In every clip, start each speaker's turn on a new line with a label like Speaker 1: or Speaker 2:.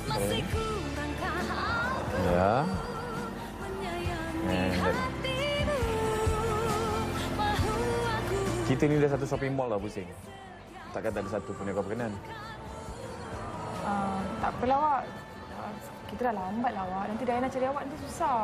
Speaker 1: Okay. Ya. Kita ni dah satu shopping mall lah pusing. Takkan tak ada satu pun yang kau berkenan.
Speaker 2: Tak apalah, awak. Kita dah lambat lah, awak. Nanti Diana cari awak nanti susah.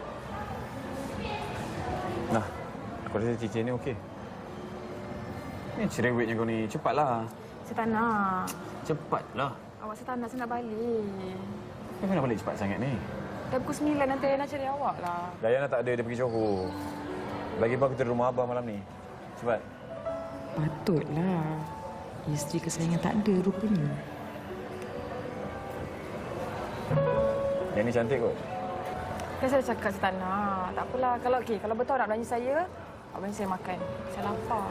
Speaker 1: Nah, aku rasa cincin ni okey. Ni cerewetnya kau ni. Cepatlah.
Speaker 2: Saya tak nak.
Speaker 1: Cepatlah.
Speaker 2: Awak saya tak nak, saya nak balik.
Speaker 1: Kenapa nak balik cepat sangat ni?
Speaker 2: Dah pukul 9, nanti Diana cari awak lah.
Speaker 1: Dayana tak ada, dia pergi Johor. Lagi pun aku tidur rumah abah malam ni. Cepat.
Speaker 3: Patutlah. Isteri kesayangan tak ada rupanya.
Speaker 1: Yang ni cantik kot.
Speaker 2: Kan saya cakap saya tak nak. Tak apalah. Kalau okey, kalau betul nak belanja saya, awak belanja saya makan. Saya lapar.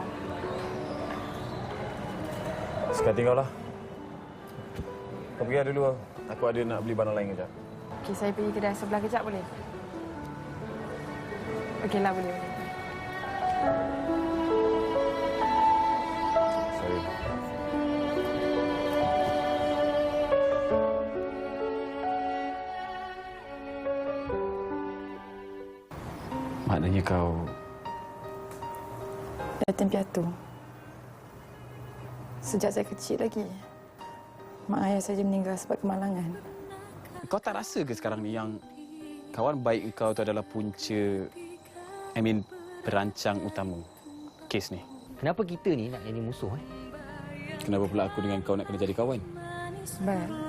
Speaker 1: Sekarang tinggal lah. Kau pergi dulu. Aku ada nak beli barang lain kejap.
Speaker 2: Okey, saya pergi kedai sebelah kejap boleh? Okeylah, boleh.
Speaker 1: Sorry. Maknanya kau...
Speaker 2: Yatim piatu. Sejak saya kecil lagi. Mak ayah saja meninggal sebab kemalangan.
Speaker 1: Kau tak rasa ke sekarang ni yang kawan baik kau tu adalah punca, perancang utama kes ni?
Speaker 4: Kenapa kita ni nak jadi musuh?
Speaker 1: Kenapa pula aku dengan kau nak kena jadi kawan?
Speaker 2: Sebab